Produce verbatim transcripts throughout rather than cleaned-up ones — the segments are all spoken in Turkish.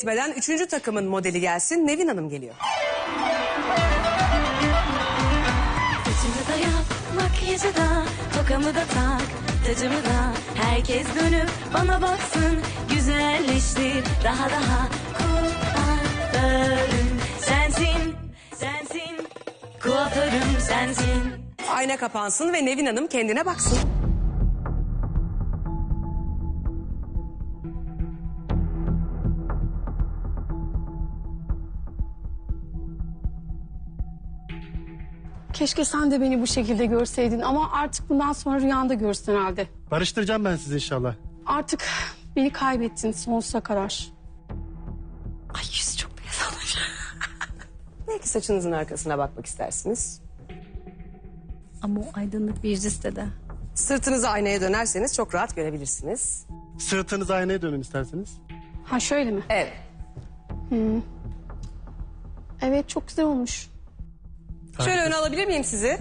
etmeden üçüncü takımın modeli gelsin. Nevin Hanım geliyor. Saçımı da yap, makyajı da, tokamı da tak, tacımı da. Herkes dönüp bana baksın, güzelleştir daha daha. Kuaförüm sensin, sensin, kuaförüm sensin. Ayna kapansın ve Nevin Hanım kendine baksın. Keşke sen de beni bu şekilde görseydin ama artık bundan sonra rüyanda görürsün herhalde. Barıştıracağım ben sizi inşallah. Artık beni kaybettin sonsuza kadar. Ay yüzü çok beyaz olmuş. Belki saçınızın arkasına bakmak istersiniz. Ama o aydınlık bir yüz istedi. Sırtınızı aynaya dönerseniz çok rahat görebilirsiniz. Sırtınız aynaya dönün isterseniz. Ha şöyle mi? Evet. Evet çok güzel olmuş. Şöyle öne alabilir miyim sizi?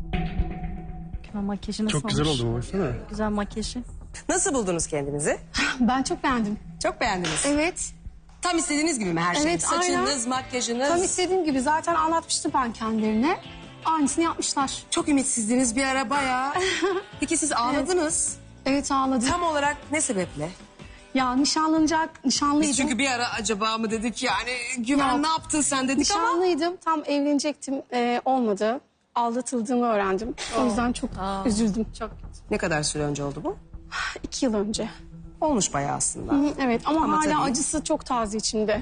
Ama makyajı nasıl Çok güzel olmuş? oldu mu? Baksana. Güzel makyajı. Nasıl buldunuz kendinizi? Ben çok beğendim. Çok beğendiniz. Evet. Tam istediğiniz gibi mi her şey? Evet, Saçınız, aynen. makyajınız. Tam istediğim gibi zaten anlatmıştım ben kendilerine. Aynısını yapmışlar. Çok ümitsizdiniz bir ara bayağı. Peki siz ağladınız. Evet ağladım. Tam olarak ne sebeple? Ya nişanlanacak, nişanlıydım. Biz çünkü bir ara acaba mı dedik yani Güven Yok. ne yaptın sen dedik ama. Nişanlıydım, tam evlenecektim. Ee, olmadı. Aldatıldığımı öğrendim. O yüzden çok üzüldüm. Çok. Ne kadar süre önce oldu bu? İki yıl önce. Olmuş bayağı aslında. Hı, evet ama, Ama hala tabii. acısı çok taze içimde.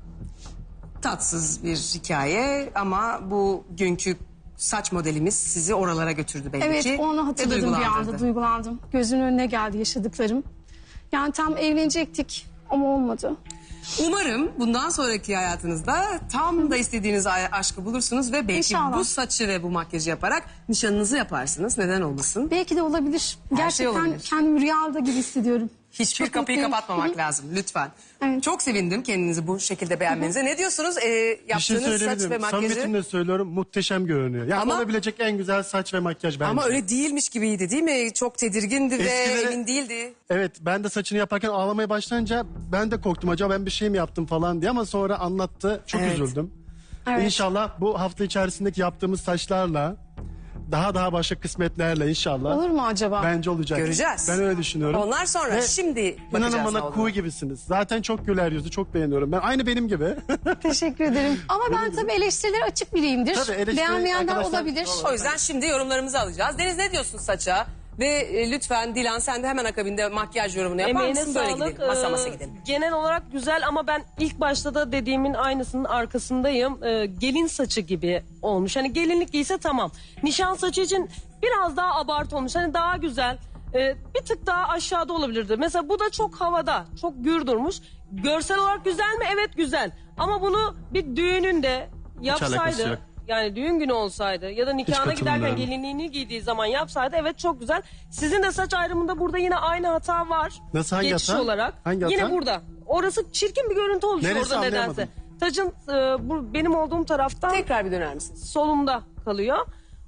Tatsız bir hikaye ama bu günkü saç modelimiz sizi oralara götürdü belli Evet ki. onu ve hatırladım bir duygulandırdı. anda, duygulandım. Gözümün önüne geldi yaşadıklarım. Yani tam evlenecektik ama olmadı. Umarım bundan sonraki hayatınızda tam da istediğiniz a- aşkı bulursunuz ve belki İnşallah. bu saçı ve bu makyajı yaparak nişanınızı yaparsınız. Neden olmasın? Belki de olabilir. Her şey Gerçekten olabilir. kendimi rüyada gibi hissediyorum. Hiçbir Çok kapıyı mutluyum. kapatmamak Hı hı. lazım lütfen. Evet. Çok sevindim kendinizi bu şekilde beğenmenize. Ne diyorsunuz? Ee, Bir şey yaptığınız saç ve söyleyebilirim. makyajı. Samimiyetimle söylüyorum, muhteşem görünüyor. Yani Ama- olabilecek en güzel saç ve makyaj bence. Ama öyle değilmiş gibiydi değil mi? Çok tedirgindi ve Eskileri- emin değildi. Evet, ben de saçını yaparken ağlamaya başlayınca ben de korktum. Acaba ben bir şey mi yaptım falan diye ama sonra anlattı. Çok Evet. üzüldüm. Evet. İnşallah bu hafta içerisindeki yaptığımız saçlarla daha daha başka kısmetlerle inşallah. Olur mu acaba? Bence olacak. Göreceğiz. Ben öyle düşünüyorum. Onlar sonra Ve şimdi bakacağız İnanın ne bana olduğunu. kuğu gibisiniz. Zaten çok güler yüzü, çok beğeniyorum. Ben aynı benim gibi. Teşekkür ederim. Ama ben tabii eleştirilere açık biriyimdir. Tabii, eleştiri Beğenmeyenler arkadaşlar- olabilir. O yüzden şimdi yorumlarımızı alacağız. Deniz ne diyorsun saça? Ve e, lütfen Dilan sen de hemen akabinde makyaj yorumunu yapar Emeğine mısın? Böyle sağlık. gidelim. Masa masa Ee, gidelim. Genel olarak güzel ama ben ilk başta da dediğimin aynısının arkasındayım. Ee, gelin saçı gibi olmuş. Hani gelinlik giyse tamam. Nişan saçı için biraz daha abartı olmuş. Hani daha güzel. Ee, bir tık daha aşağıda olabilirdi. Mesela bu da çok havada. Çok gür durmuş. Görsel olarak güzel mi? Evet güzel. Ama bunu bir düğününde alakası yapsaydı. yok. Yani düğün günü olsaydı ya da nikahına giderken katılmıyorum. gelinliğini giydiği zaman yapsaydı evet çok güzel. Sizin de saç ayrımında burada yine aynı hata var. Nasıl, hangi Geçiş hata? olarak. Hangi Yine hata? burada. Orası çirkin bir görüntü oluşuyor Neresi, orada nedense. anlayamadım. Tacın e, bu, benim olduğum taraftan Tekrar bir döner misiniz? solumda kalıyor.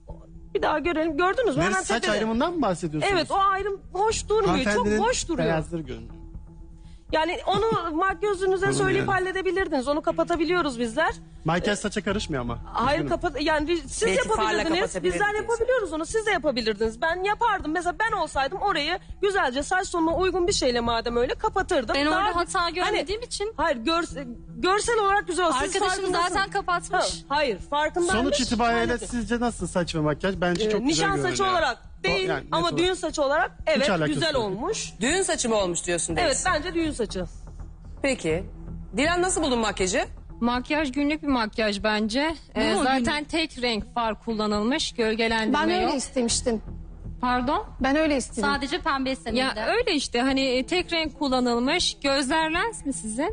Bir daha görelim. Gördünüz mü? Neresi, Hemen saç tepede. ayrımından mı bahsediyorsunuz? Evet o ayrım hoş durmuyor. Çok Hanımefendinin boş duruyor. beyazları görünüyor. Yani onu makyözünüze Olur söyleyip yani. halledebilirdiniz. Onu kapatabiliyoruz bizler. Makyaj saça karışmıyor ama. Hayır Üzgünüm. kapat yani siz Belki farla yapabilirdiniz. kapatabilirdik Bizler diyorsun. yapabiliyoruz onu. Siz de yapabilirdiniz. Ben yapardım. Mesela ben olsaydım orayı güzelce saç tonuna uygun bir şeyle madem öyle kapatırdım. Ben Daha- orada hata Hani- görmediğim için Hayır görse- görsel olarak güzel olsun. Siz arkadaşım farkındasınız. zaten kapatmış. Ha, hayır farkındaymış. Sonuç itibariyle halletti. sizce nasıl saç ve makyaj? Bence Ee, çok güzel Nişan görünüyor. saçı olarak değil O- yani net ama olarak. düğün saçı olarak evet alakası güzel yok. olmuş. Düğün saçı mı olmuş diyorsun Deniz? Evet bence düğün saçı. Peki. Dilan nasıl buldun makyajı? Makyaj günlük bir makyaj bence. Ee, mu zaten tek renk far kullanılmış. Gölgelendirme Ben öyle yok. istemiştim. Pardon? Ben öyle istedim. Sadece pembe istedim Ya de. öyle işte hani e, tek renk kullanılmış. Gözler lens mi sizin?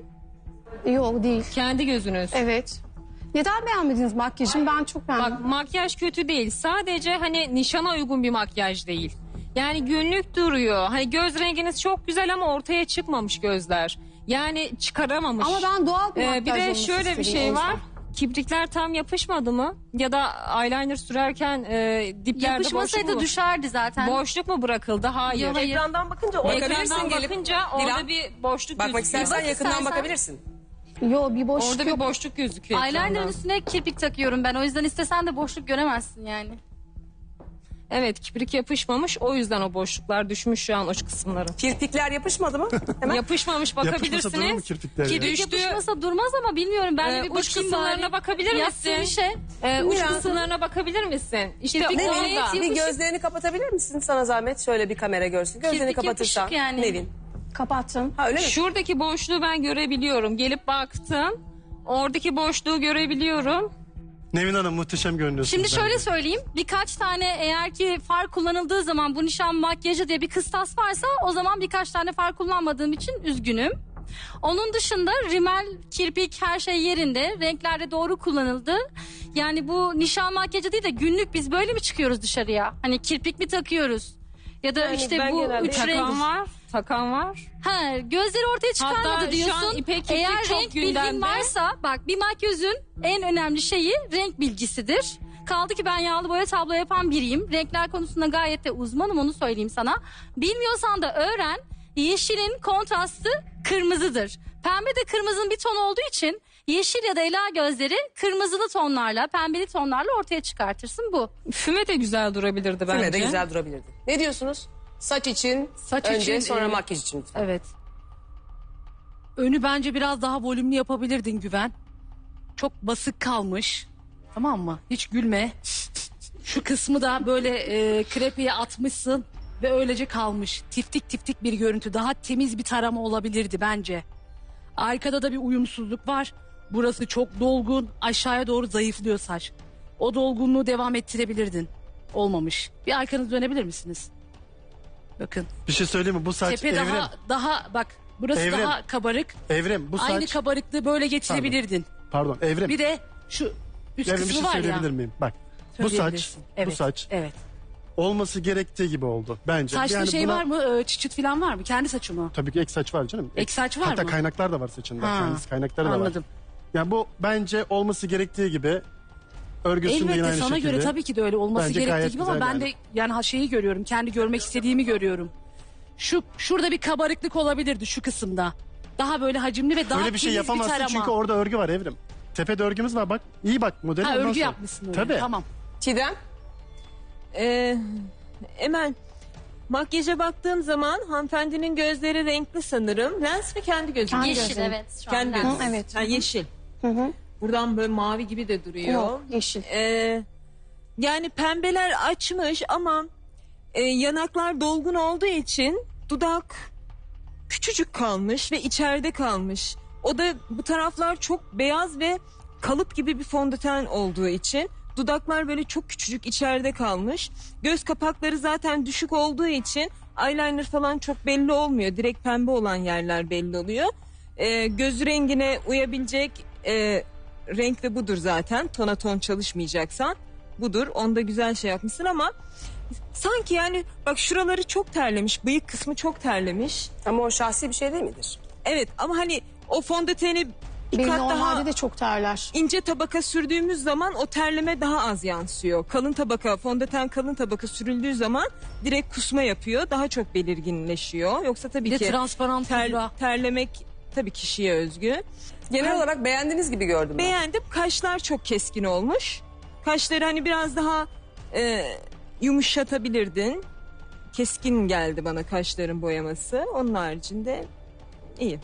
Yok değil. Kendi gözünüz. Evet. Neden beğenmediniz makyajımı? Ben çok beğendim. Bak makyaj kötü değil. Sadece hani nişana uygun bir makyaj değil. Yani günlük duruyor. Hani göz renginiz çok güzel ama ortaya çıkmamış gözler. Yani çıkaramamış. Ama ben doğal bir Ee, makyaj bir de olması şöyle bir istedim, şey o yüzden. var. Kiprikler tam yapışmadı mı? Ya da eyeliner sürerken e, diplerde boşluk Yapışmasaydı mu? düşerdi zaten. Boşluk mu bırakıldı? Hayır. Yok, hayır. Ekrandan bakınca o Bakabilirsin Ekrandan gelip. bakınca orada Dilan, bir boşluk Bakmak gözüküyor. istersen Bak yakından istersen. bakabilirsin. Yo bir boşluk Orada yok. bir boşluk gözüküyor. Eyeliner'ın ekranda. üstüne kirpik takıyorum ben. O yüzden istesen de boşluk göremezsin yani. Evet, kibrik yapışmamış. O yüzden o boşluklar düşmüş şu an o kısımları. Kirpikler yapışmadı mı? Hemen. Yapışmamış, Yapışmasa durur mu bakabilirsiniz. kirpikler ya? Ki düştüğü Yapışmasa durmaz ama bilmiyorum. Ben de Ee, bir uç bakayım kısımlarına bari. bakabilir Yaptığı misin? bir şey. Ee, uç Biraz- kısımlarına bakabilir misin? İşte Kirpik orada. nereye Bir yapışık? gözlerini kapatabilir misin sana zahmet? Şöyle bir kamera görsün. Gözlerini Kirpik kapatırsan. yapışık yani. Nevin. Kapattım. Ha öyle mi? Şuradaki boşluğu ben görebiliyorum. Gelip baktım. Oradaki boşluğu görebiliyorum. Nevin Hanım muhteşem görünüyorsunuz. Şimdi şöyle bence. söyleyeyim. Birkaç tane eğer ki far kullanıldığı zaman bu nişan makyajı diye bir kıstas varsa o zaman birkaç tane far kullanmadığım için üzgünüm. Onun dışında rimel, kirpik her şey yerinde. Renklerde doğru kullanıldı. Yani bu nişan makyajı değil de günlük biz böyle mi çıkıyoruz dışarıya? Hani kirpik mi takıyoruz? Ya da Yani işte ben bu genelde üç renk... Takan var. Takan var. Ha, gözleri ortaya çıkarmadı Hatta şu diyorsun. an ipek kirpik Eğer çok renk bilgin gündemde. varsa bak bir makyözün en önemli şeyi renk bilgisidir. Kaldı ki ben yağlı boya tablo yapan biriyim. Renkler konusunda gayet de uzmanım onu söyleyeyim sana. Bilmiyorsan da öğren. Yeşilin kontrastı kırmızıdır. Pembe de kırmızının bir ton olduğu için yeşil ya da ela gözleri kırmızılı tonlarla, pembeli tonlarla ortaya çıkartırsın bu. Füme de güzel durabilirdi bence. Füme de güzel durabilirdi. Ne diyorsunuz? Saç için Saç önce için, sonra e, makyaj için lütfen. Evet. Önü bence biraz daha volümlü yapabilirdin Güven. Çok basık kalmış. Tamam mı? Hiç gülme. Şu kısmı da böyle e, krepeye atmışsın ve öylece kalmış. Tiftik tiftik bir görüntü. Daha temiz bir tarama olabilirdi bence. Arkada da bir uyumsuzluk var. Burası çok dolgun. Aşağıya doğru zayıflıyor saç. O dolgunluğu devam ettirebilirdin. Olmamış. Bir arkanızı dönebilir misiniz? Bakın. Bir şey söyleyeyim mi? Bu saç Tepe Evrim. daha daha bak burası Evrim. daha kabarık. Evrim bu saç. Aynı kabarıklığı böyle getirebilirdin. Pardon Evrim. Bir de şu üst Evrim bir kısmı şey var ya. söyleyebilir miyim? Bak bu saç, Söyleyebilirsin. Evet, bu saç Evet. olması gerektiği gibi oldu bence. Saçta Yani şey buna- var mı? Ee, çıçıt falan var mı? Kendi saçı mı? Tabii ki ek saç var canım. Ek saç var Hatta mı? kaynaklar da var saçında. Ha, Kendisi kaynakları da var. Anladım. Yani bu bence olması gerektiği gibi. Örgüsünde yine Elbette aynı sana şekilde. göre tabii ki de öyle olması Bence gerektiği gayet gibi ama güzel ben yani. de yani ha şeyi görüyorum. Kendi görmek istediğimi görüyorum. Şu şurada bir kabarıklık olabilirdi şu kısımda. Daha böyle hacimli ve daha Öyle bir şey temiz yapamazsın tarama. çünkü orada örgü var Evrim. Tepede örgümüz var bak. İyi bak modeli. Ha, ondan örgü sonra. yapmışsın öyle. Tabii. Tamam. Çiğdem. Ee, Emel, makyaja baktığım zaman hanımefendinin gözleri renkli sanırım. Lens mi kendi gözü? mü? Yeşil evet şu an. Kendi lens. gözü. evet. Ha, yeşil. Buradan böyle mavi gibi de duruyor. Yok yeşil. Ee, yani pembeler açmış ama e, yanaklar dolgun olduğu için dudak küçücük kalmış ve içeride kalmış. O da bu taraflar çok beyaz ve kalıp gibi bir fondöten olduğu için dudaklar böyle çok küçücük içeride kalmış. Göz kapakları zaten düşük olduğu için eyeliner falan çok belli olmuyor. Direkt pembe olan yerler belli oluyor. Ee, göz rengine uyabilecek e, renk de budur zaten. Tona ton çalışmayacaksan budur. Onda güzel şey yapmışsın ama sanki yani bak şuraları çok terlemiş. Bıyık kısmı çok terlemiş. Ama o şahsi bir şey değil midir? Evet ama hani o fondöteni bir Benim kat normalde daha de çok terler. ince tabaka sürdüğümüz zaman o terleme daha az yansıyor. Kalın tabaka, fondöten kalın tabaka sürüldüğü zaman direkt kusma yapıyor. Daha çok belirginleşiyor. Yoksa tabii Bir de ki transparan ter- pudra. terlemek tabii kişiye özgü. Genel Ben- olarak beğendiğiniz gibi gördüm ben. Beğendim. Kaşlar çok keskin olmuş. Kaşları hani biraz daha e, yumuşatabilirdin. Keskin geldi bana kaşların boyaması. Onun haricinde iyi.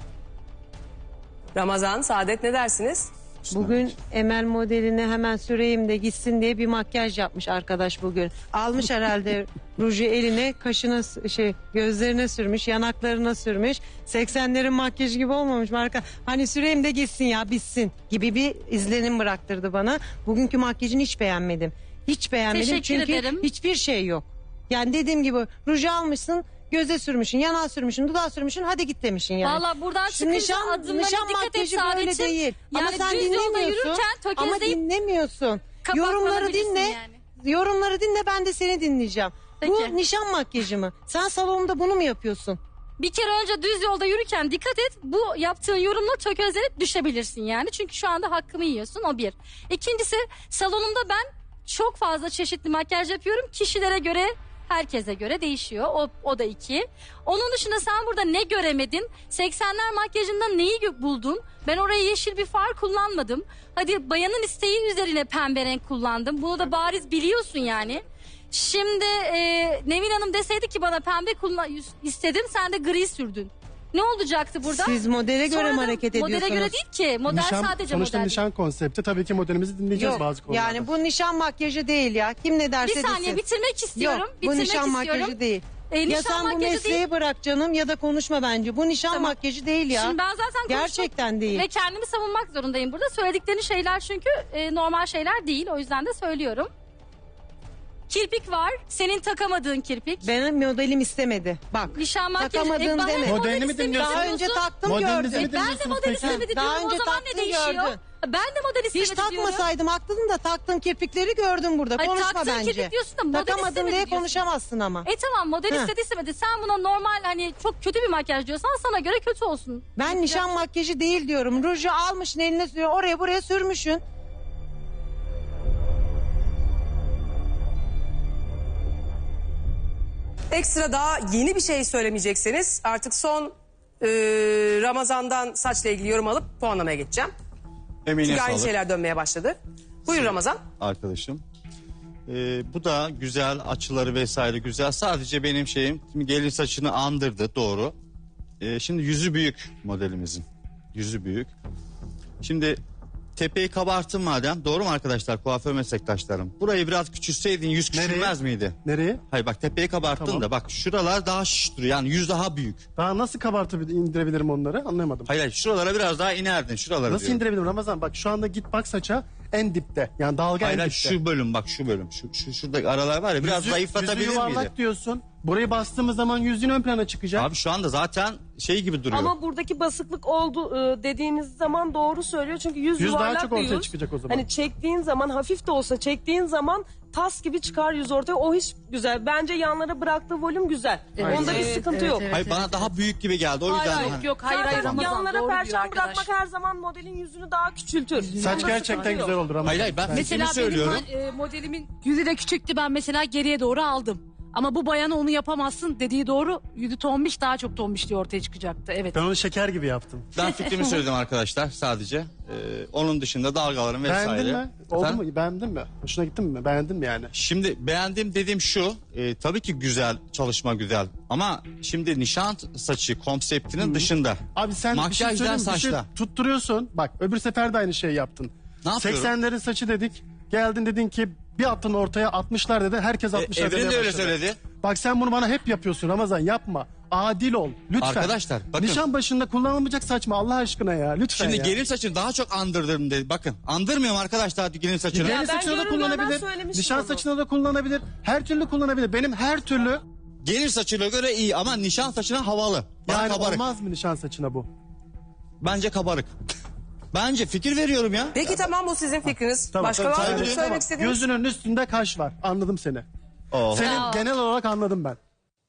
Ramazan, Saadet ne dersiniz? Bugün Emel modeline hemen süreyim de gitsin diye bir makyaj yapmış arkadaş bugün. Almış herhalde ruju eline, kaşına s- şey gözlerine sürmüş, yanaklarına sürmüş. seksenlerin makyajı gibi olmamış mı arka? Hani süreyim de gitsin ya bitsin gibi bir izlenim bıraktırdı bana. Bugünkü makyajını hiç beğenmedim. Hiç beğenmedim Teşekkür çünkü ederim. hiçbir şey yok. Yani dediğim gibi ruju almışsın, göze sürmüşsün, yanağa sürmüşsün, dudağa sürmüşsün, hadi git demişsin yani. Valla buradan Şu çıkınca nişan, adımlarına nişan dikkat et makyajı böyle Saadet'im. değil. Ama Yani sen düz yolda dinlemiyorsun. yürürken Ama tökezleyip dinlemiyorsun. kapaklanabilirsin Yorumları dinle. yani. Yorumları dinle, ben de seni dinleyeceğim. Peki. Bu nişan makyajı mı? Sen salonda bunu mu yapıyorsun? Bir kere önce düz yolda yürürken dikkat et. Bu yaptığın yorumla tökezlenip düşebilirsin yani. Çünkü şu anda hakkımı yiyorsun, o bir. İkincisi salonumda ben çok fazla çeşitli makyaj yapıyorum. Kişilere göre Herkese göre değişiyor. O, o da iki. Onun dışında sen burada ne göremedin? seksenler makyajında neyi gö- buldun? Ben oraya yeşil bir far kullanmadım. Hadi bayanın isteği üzerine pembe renk kullandım. Bunu da bariz biliyorsun yani. Şimdi e, Nevin Hanım deseydi ki bana pembe kullan istedim, sen de gri sürdün. Ne olacaktı burada? Siz modele göre mi Sonra da hareket Modele ediyorsunuz? göre değil ki. Model Nişan, sadece sonuçta model. nişan konsepti. Tabii ki modelimizi dinleyeceğiz Yok bazı konularda. yani bu nişan makyajı değil ya. Kim ne derse Bir saniye desin. bitirmek istiyorum. Yok bu bitirmek nişan istiyorum. makyajı değil. E, ya nişan sen bu makyajı mesleği değil. bırak canım ya da konuşma bence. Bu nişan Tamam. makyajı değil ya. Şimdi ben zaten konuşmak Gerçekten değil. ve kendimi savunmak zorundayım burada. Söyledikleri şeyler çünkü e, normal şeyler değil. O yüzden de söylüyorum. Kirpik var. Senin takamadığın kirpik. Benim modelim istemedi. Bak. Nişan makyajı. Takamadığın bana deme. model Modelini mi istemi dinliyorsun? Daha diyorsun. önce taktım Modelinizi gördüm. mi Ben de dinliyorsunuz model peki? istemedi Daha diyorum. O önce zaman ne taktın, değişiyor? gördün. Ben de model istemedi Hiç diyorum. takmasaydım haklıydım da taktığın kirpikleri gördüm burada. Ay, Konuşma taktığın bence. kirpik diyorsun da model Takamadın istemedi diye diyorsun. konuşamazsın ama. E tamam model Heh. istedi istemedi. Sen buna normal hani çok kötü bir makyaj diyorsan sana göre kötü olsun. Ben nişan makyajı değil diyorum. Ruju almışsın eline sürüyor. Oraya buraya sürmüşsün. Ekstra daha yeni bir şey söylemeyecekseniz artık son e, Ramazan'dan saçla ilgili yorum alıp puanlamaya geçeceğim. Emine Çünkü aynı sağlık şeyler dönmeye başladı. Buyur Ramazan. arkadaşım. Ee, bu da güzel, açıları vesaire güzel. Sadece benim şeyim şimdi gelin saçını andırdı, doğru. Ee, şimdi yüzü büyük modelimizin. Yüzü büyük. Şimdi tepeyi kabarttın madem, doğru mu arkadaşlar, kuaför meslektaşlarım? Burayı biraz küçülseydin yüz küçülmez miydi? Nereye? Hayır bak, tepeyi kabarttın Tamam. da bak şuralar daha şiş duruyor, yani yüz daha büyük. Daha nasıl kabartıp indirebilirim onları anlayamadım. Hayır hayır, şuralara biraz daha inerdin, şuralara Nasıl diyorum. indirebilirim Ramazan? Bak şu anda git bak saça en dipte. Yani dalga Hayır en hayır, dipte. şu bölüm bak, şu bölüm, şu, şu şuradaki aralar var ya, biraz Yüzü- zayıflatabilir yüzü yuvarlak miydi? diyorsun. Burayı bastığımız zaman yüzün ön plana çıkacak. Abi şu anda zaten şey gibi duruyor. Ama buradaki basıklık oldu e, dediğiniz zaman doğru söylüyor. Çünkü yüz, Yüz daha yuvarlak çok bir ortaya yüz. çıkacak o zaman. Hani çektiğin zaman, hafif de olsa çektiğin zaman tas gibi çıkar yüz ortaya. O hiç güzel. Bence yanlara bıraktığı volüm güzel. Onda bir sıkıntı yok. Hayır bana daha büyük gibi geldi, o yüzden. Hayır, hani- Yok hayır Zaten hayır Ramazan yanlara doğru diyor perçem arkadaş. bırakmak her zaman modelin yüzünü daha küçültür. Saç Onda gerçekten sıkıntı yok. güzel olur ama. Hayır hayır, ben Mesela fikrimi söylüyorum. benim e, modelimin yüzü de küçüktü, ben mesela geriye doğru aldım. Ama bu bayana onu yapamazsın dediği doğru. Yüzü tombiş, daha çok tombişliği ortaya çıkacaktı. Evet. Ben onu şeker gibi yaptım. Ben fikrimi söyledim arkadaşlar sadece. Ee, onun dışında dalgaların vesaire. Beğendin mi? Oldu Efendim? mu? Beğendin mi? Hoşuna gitti mi? Beğendin mi yani? Şimdi beğendim dediğim şu. e, tabii ki güzel, çalışma güzel. Ama şimdi nişan saçı konseptinin dışında. Abi sen bir şey Makyajdan söyleyeyim mi? Bir şey saçla. tutturuyorsun. Bak öbür sefer de aynı şeyi yaptın. Ne yapıyorum? seksenlerin saçı dedik. Geldin dedin ki bir attın ortaya altmışlar dedi. Herkes altmışlar Evren demeye de öyle başladı. söyledi. Bak sen bunu bana hep yapıyorsun Ramazan, yapma. Adil ol lütfen. Arkadaşlar, bakın. Nişan başında kullanılmayacak saçma Allah aşkına ya lütfen Şimdi ya. gelin saçını daha çok andırdım dedi. Bakın andırmıyorum arkadaşlar gelin saçını. Gelin ben saçına da görünmeden kullanabilir. söylemiştim Nişan onu. saçına da kullanabilir. Her türlü kullanabilir. Benim her türlü Gelin saçına göre iyi ama nişan saçına havalı. Bana yani kabarık. olmaz mı nişan saçına bu? Bence kabarık. Bence fikir veriyorum ya. Peki tamam, bu sizin fikriniz. Tamam, Başka tamam, var mı saygı söylemek duyuyorum. istediğiniz? Gözünün üstünde kaş var. Anladım seni. Oh. Senin genel olarak anladım ben.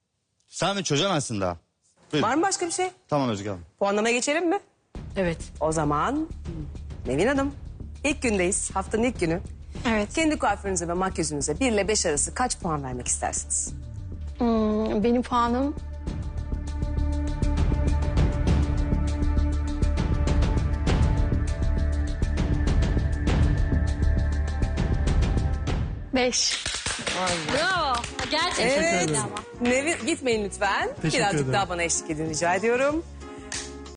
Sen mi çözemezsin daha? Buyurun. Var mı başka bir şey? Tamam Özge Hanım. Puanlamaya geçelim mi? Evet. O zaman Nevin Hanım, ilk gündeyiz. Haftanın ilk günü. Evet. Kendi kuaförünüze ve makyajınıza bir ile beş arası kaç puan vermek istersiniz? Hmm, benim puanım beş. Bravo. Gerçekten Evet. öyle ama. Nevin, gitmeyin lütfen. Teşekkür Birazcık ederim. daha bana eşlik edin rica ediyorum.